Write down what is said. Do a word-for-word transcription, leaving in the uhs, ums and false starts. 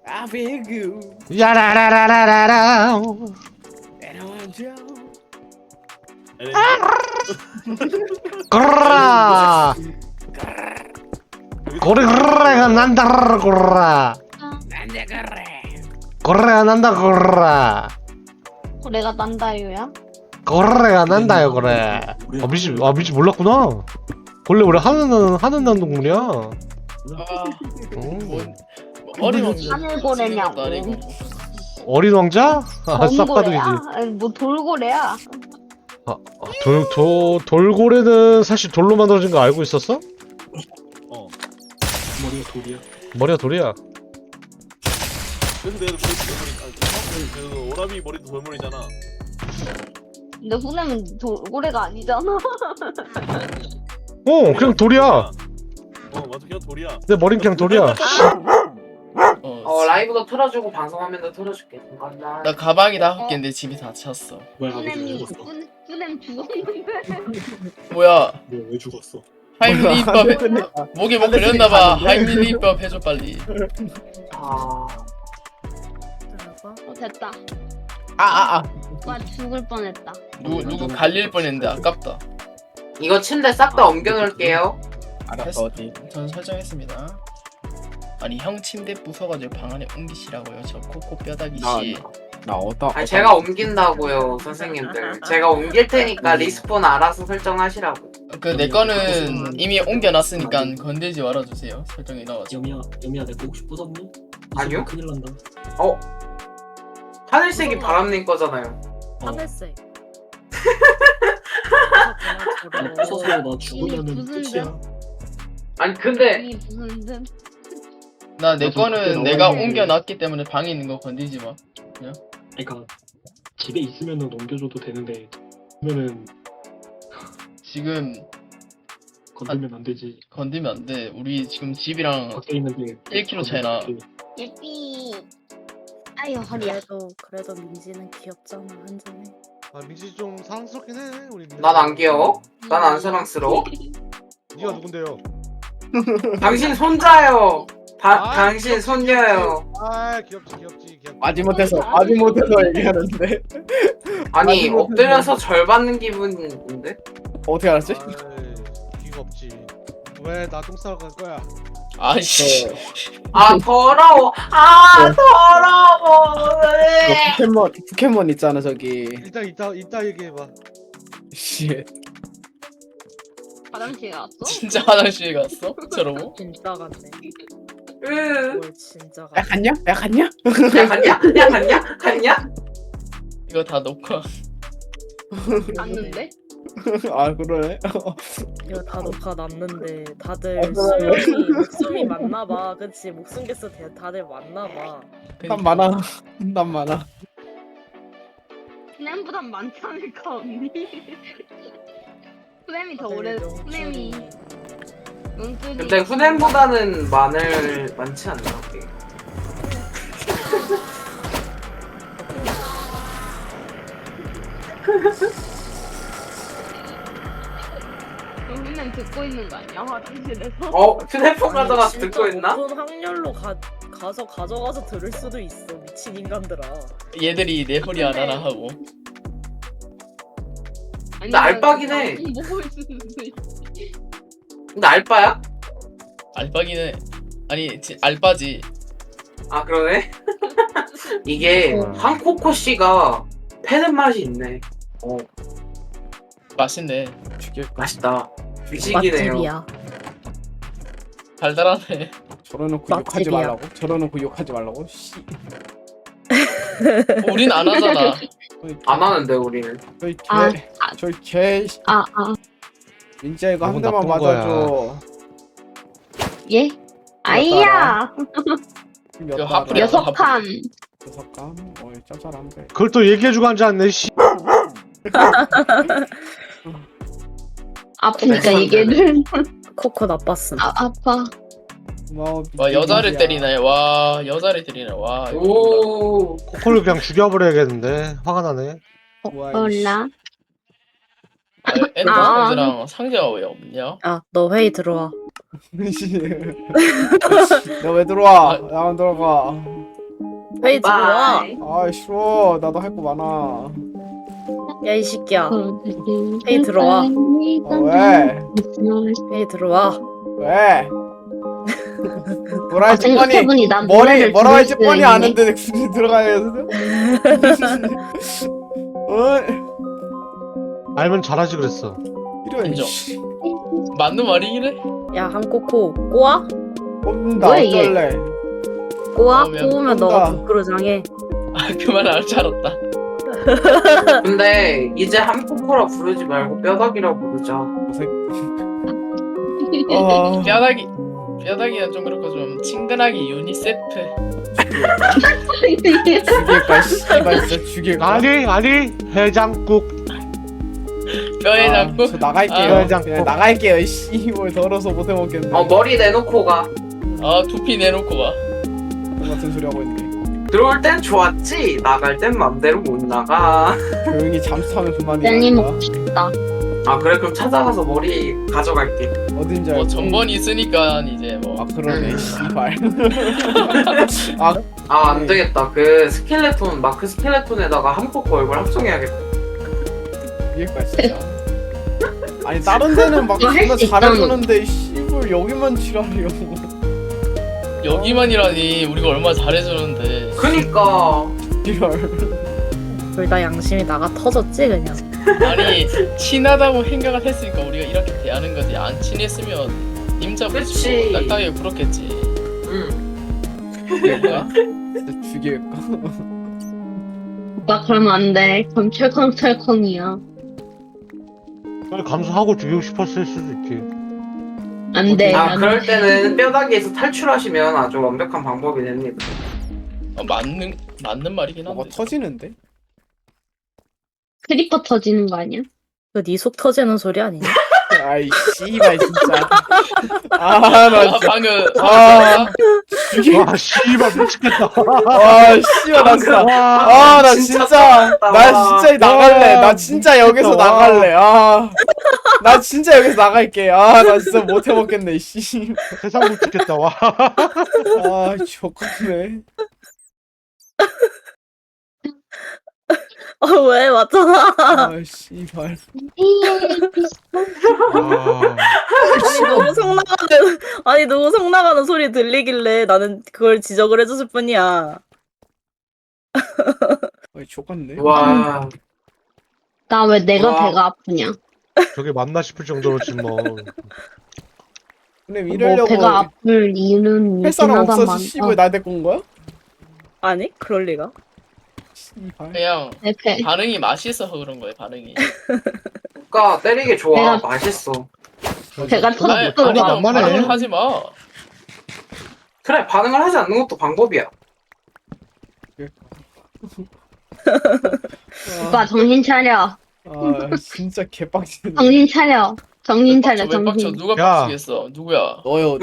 I feel good. 야라라라라라라. And I want you. 꼬라. 꼬리가 난다 꼬라. 난데 그래. 꼬리가 난다 꼬라. 고래가 난다요야? 꼬리가 난다요 그래. 아 미치 아 미치 몰랐구나. 원래 우리 하는 하는 난 동물이야. 아, 음. 어린 왕자. 하늘고래냐고. 아니고. 어린 왕자? 아 싹바둑이지. 검고래야? 아니, 뭐 돌고래야? 돌, 도, 돌고래는 사실 돌로 만들어진 거 알고 있었어? 어. 머리가 돌이야. 머리가 돌이야. 그래서 내가 머리 돌머리. 그 오라비 머리도 돌머리잖아. 근데 후네는 돌고래가 아니잖아. 어, 그냥 돌이야. 어, 맞아, 그냥 돌이야. 내 머린 그냥 돌이야. 어, 어 라이브도 틀어주고 방송 화면도 틀어줄게. 잠깐만. 나 가방이 다섯 개인데 집이 다 찼어. 뭐야, 아버지 왜 후네이 죽었어? 후네 죽었는데. 뭐야? 뭐야, 왜 죽었어? 하이밀리법 해... 목에 뭐 걸렸나봐. 하이밀리법 해줘 빨리. 아, 어 됐다. 아아 아. 와 죽을 뻔했다. 누구 누구 갈릴 뻔했는데 아깝다. 이거 침대 싹 다 옮겨놓을게요. 알았어 어디? 전 설정했습니다. 아니 형 침대 부숴가지고 방 안에 옮기시라고요. 저 코코 뼈다귀 씨. 나 어떠? 아니 제가 옮긴다고요, 선생님들. 제가 옮길 테니까 리스폰 알아서 설정하시라고. 그 내 거는 이미 옮겨놨으니까 건들지 말아주세요. 설정이 나와서. 여미야, 여미야, 내거 혹시 부쉈니? 아니요? 큰일 난다. 어? 하늘색이 바람님 거잖아요. 하늘색. 나 부숴서 나 죽으면은 이미 부순 끝이야. 아니 근데 이 무슨 듯. 나 내 나도 거는 그때 내가 어머니- 옮겨놨기 때문에 방에 있는 거 건들지 마. 그러니까 집에 있으면은 넘겨줘도 되는데 그러면은 지금 건들면 안 되지. 건들면 안 돼. 우리 지금 집이랑 밖에 있는데 일 킬로미터 차이나. 예삐. 아유 허리야. 그래도 그래도 민지는 귀엽잖아 한잔해. 아 민지 좀 사랑스럽긴 해 우리. 난 안 귀여워? 난 안 사랑스러워? 네가 누군데요? 당신 손자요. 다, 아, 당신 귀엽지, 손녀요. 아 귀엽지 귀엽지 귀엽지. 마지못해서 마지못해서 얘기하는데 아니 마지막에 엎드려서 절 받는 기분인데? 어떻게 알았지? 아이, 귀가 없지. 왜 나 똥 싸러 갈 거야? 아이씨. 아 더러워. 아 더러워. 그 포켓몬 포켓몬 있잖아 저기. 일단 이따 이따 얘기해봐. 씨. 화장실 갔어? 진짜 화장실 갔어? 저러고? 진짜 같네. 으. 뭘 진짜 야 같네. 갔냐? 야 갔냐? 야 갔냐? 야 갔냐? 갔냐? 이거 다 녹화. 갔는데? 아 그러네. 이거 다 녹화 났는데 아, 다들 그러네. 수명이 목숨이 많나봐. 그치 목숨 개수 대- 다들 많나봐. 난 많아. 난 많아. 후네보단 많지 않을까 언니? 후네이 더 오래. 다들 후네이. 명줄이. 용줄이. 근데 후넨보다는 마늘 많지 않나? 그게? 후네 듣고 있는 거 아니야 화장실에서? 어? 휴대폰 아니, 가져가서 진짜 듣고 있나? 높은 확률로 가, 가서 가져가서 들을 수도 있어 미친 인간들아. 얘들이 내 허리 안 하나 하고. 근데 알바긴 해. 보고 있을 수도 있지. 근데 알바야? 알바기는 해. 아니 지, 알바지. 아 그러네? 이게 한코코 씨가 패는 맛이 있네. 어 맛있네. 맛있다. 주식이네요. 맛집이야. 달달하네. 저러놓고 욕하지 맛집이야. 말라고. 저러놓고 욕하지 말라고. 씨. 우린 안 하잖아. 안 하는데 우리는. 저희 개. 아, 저희 개. 아 아. 민지야 이거 한 너무 대만 나쁜 거야. 맞아줘. 예? 아이야. 몇 이거 달아? 하프리야. 여섯 칸. 여섯 감. 어 짜잘한데. 그걸 또 얘기해주고 앉지 않네 씨. 아프니까 얘기를. 코코 나빴음. 아 아파. 고마워. 와 여자를 민지야. 때리네. 와 여자를 때리네. 와. 이거 몰라. 오. 코코를 그냥 죽여버려야겠는데 화가 나네. 우와, 이씨. 몰라. 아, 엔더스랑 상자가 왜 없냐? 아 너 회의 들어와. 너 왜 들어와? 나안 들어가. 회의 들어와. 바이. 아 싫어. 나도 할 거 많아. 야 이 새끼야. 헤이 들어와. 아, 왜? 회의 들어와. 왜? 뭐라 아, 할지 뻔히 생각해보니 난 머리 노래를 뭐라 들을 할지 수가 뻔히 있네. 아는데 굳이 들어가야 해서. 어? 알면 잘하지 그랬어. 이런 인정. 씨. 맞는 말이긴 해. 야 한코코 꼬아? 뽑는다 뭐야, 얘? 어쩔래? 꼬아? 그러면 꼬우면 꼰다. 너가 부끄러장해. 아 그만 알 줄 알았다. 근데 이제 한코코라 부르지 말고 뼈다귀라고 부르자. 어. 뼈다귀 뼈다귀는 좀 그렇고 좀 친근하게 유니세프. 죽일까 씨발 진짜 죽일까? 아니 아니 해장국. 뼈에 아, 잡고. 저 나갈게요. 아, 그냥 그냥 나갈게요. 씨발 더러서 못 해먹겠네. 어 머리 내놓고 가. 아 두피 내놓고 가. 같은 소리 하고 있네. 들어올 땐 좋았지. 나갈 땐 맘대로 못 나가. 조용히 잠수 타면 젤리 그만이야. 먹고 싶다. 아 그래 그럼 찾아가서 머리 가져갈게. 어딘지 뭐 알고. 전번이 있으니까 이제 뭐. 아 그러네. 씨발. 아 아 안 되겠다. 그 스켈레톤 마크 스켈레톤에다가 한코코 얼굴 합성해야겠다. 죽일까 진짜. 아니 다른 데는 막 이거 할수 존나 있잖아. 잘해주는데 씨발 여기만 지랄이요. 여기만이라니 우리가 얼마나 잘해주는데. 그니까 이럴. 둘 다 양심이 나가 터졌지 그냥. 아니 친하다고 생각을 했으니까 우리가 이렇게 대하는 거지. 안 친했으면 임자 그치. 붙이고 딱딱하게 굴었겠지. 응. 죽일까? 진짜 죽일까? 오빠 그러면 안 돼. 그럼 철컹철컹이야. 그걸 감수하고 죽이고 싶었을 수도 있지. 안 돼. 아 안 그럴 돼. 때는 뼈다귀에서 탈출하시면 아주 완벽한 방법이 됩니다. 어, 맞는 맞는 말이긴 한데. 뭐가 터지는데? 크리퍼 터지는 거 아니야? 그네 속 터지는 소리 아니냐? 아이 씨발 진짜. 아나 아, 진짜. 방금 아 죽일. 와 씨발 미치겠다. 아 씨발 나 진짜. 아 나 진짜 진짜 떨었다, 나 와. 진짜 나갈래. 와, 나 진짜 여기서 미치겠다, 와. 나갈래. 아. 나 진짜 여기서 나갈게. 아 나 진짜 못 해먹겠네. 씨. 세상 미치겠다 와. 아 좋겠네. 어 왜 맞잖아. 아 씨발. 아, 아니 누구 성 나가는 아니 누구 성 나가는 소리 들리길래 나는 그걸 지적을 해줬을 뿐이야. 아이 좋겠네. 와. 나 왜 내가 와. 배가 아프냐? 저게 맞나 싶을 정도로 지금 뭐. 근데 뭐 이러려고 배가 아플 이유는 할 있긴 사람 하다만. 없어서 씨발 나 데리고 온 거야? 아니 그럴 리가. 씨발. 그냥 내 배. 반응이 맛있어서 그런 거예요. 반응이. 그니까 때리기 좋아. 내가- 맛있어. 배가 아니, 터졌어. 아니 봐. 넌 만만해. 반응을 하지 마. 그래 반응을 하지 않는 것도 방법이야. 오빠 정신 차려. 아 진짜 개빡치네. 정신 차려. 정신 차려. 왜 빡쳐? 정신. 누가 야. 빡치겠어? 누구야? 너요.